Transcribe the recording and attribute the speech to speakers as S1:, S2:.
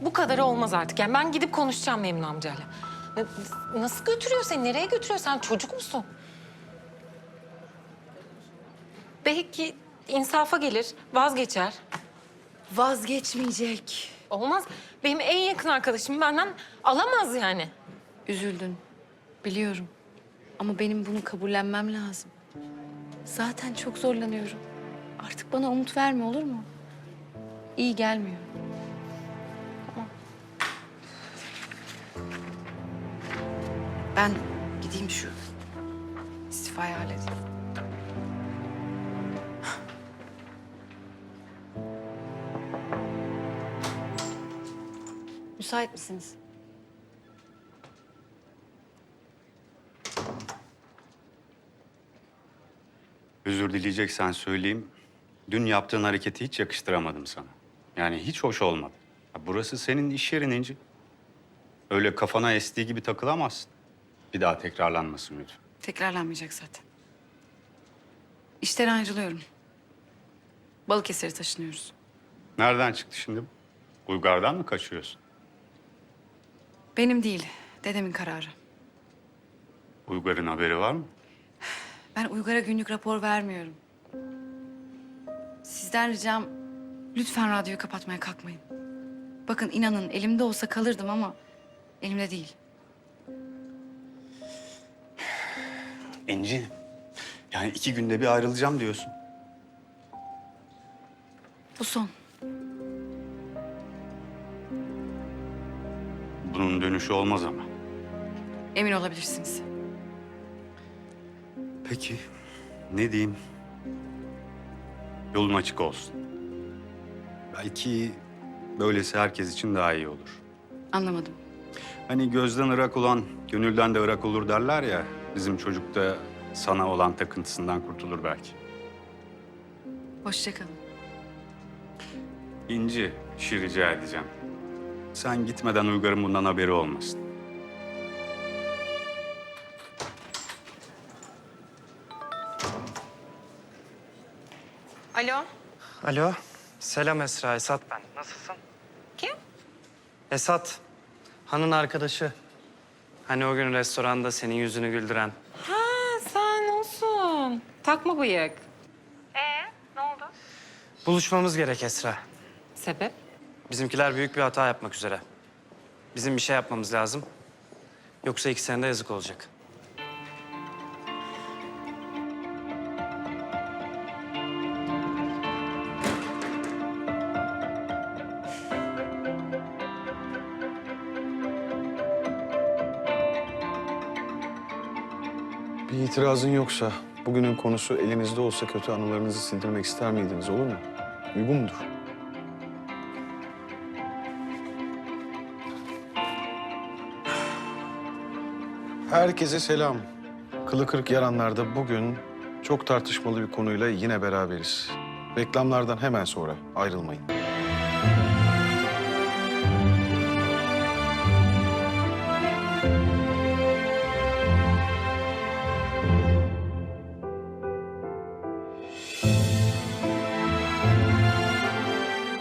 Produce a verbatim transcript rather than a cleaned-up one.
S1: bu kadarı olmaz artık. Yani ben gidip konuşacağım Memnun amcayla. N- Nasıl götürüyor seni? Nereye götürüyor? Sen çocuk musun? Belki insafa gelir, vazgeçer.
S2: Vazgeçmeyecek.
S1: Olmaz. Benim en yakın arkadaşım benden alamaz yani.
S2: Üzüldün. Biliyorum. Ama benim bunu kabullenmem lazım. Zaten çok zorlanıyorum. Artık bana umut verme, olur mu? İyi gelmiyor. Ben gideyim şu istifayı halledeyim. Müsait misiniz?
S3: Özür dileyeceksen söyleyeyim. Dün yaptığın hareketi hiç yakıştıramadım sana. Yani hiç hoş olmadı. Ya burası senin iş yerin İnci. Öyle kafana estiği gibi takılamazsın. Bir daha tekrarlanmasın lütfen.
S2: Tekrarlanmayacak zaten. İşten ayrılıyorum. Balıkesir'e taşınıyoruz.
S3: Nereden çıktı şimdi bu? Uygar'dan mı kaçıyorsun?
S2: Benim değil, dedemin kararı.
S3: Uygar'ın haberi var mı?
S2: Ben Uygar'a günlük rapor vermiyorum. Sizden ricam lütfen radyoyu kapatmaya kalkmayın. Bakın inanın elimde olsa kalırdım ama elimde değil.
S3: İnci, yani iki günde bir ayrılacağım diyorsun.
S2: Bu son.
S3: Bunun dönüşü olmaz ama.
S2: Emin olabilirsiniz.
S3: Peki, ne diyeyim? Yolun açık olsun. Belki böylesi herkes için daha iyi olur.
S2: Anlamadım.
S3: Hani gözden ırak olan, gönülden de ırak olur derler ya. Bizim çocuk da sana olan takıntısından kurtulur belki.
S2: Hoşça kalın.
S3: İnci, bir şey rica edeceğim. Sen gitmeden Uygar'ın bundan haberi olmasın.
S1: Alo,
S4: Alo, selam Esra, Esat ben. Nasılsın?
S1: kim?
S4: Esat, Han'ın arkadaşı. Hani o gün restoranda senin yüzünü güldüren.
S1: Ha, sen olsun. Takma bıyık. Ee, ne oldu?
S4: Buluşmamız gerek Esra.
S1: Sebep?
S4: Bizimkiler büyük bir hata yapmak üzere. Bizim bir şey yapmamız lazım. Yoksa ikisine de yazık olacak.
S5: Bir itirazın yoksa bugünün konusu elinizde olsa kötü anılarınızı sildirmek ister miydiniz, olur mu? Uygun mudur? Herkese selam. Kılı kırık yaranlarda bugün çok tartışmalı bir konuyla yine beraberiz. Reklamlardan hemen sonra ayrılmayın.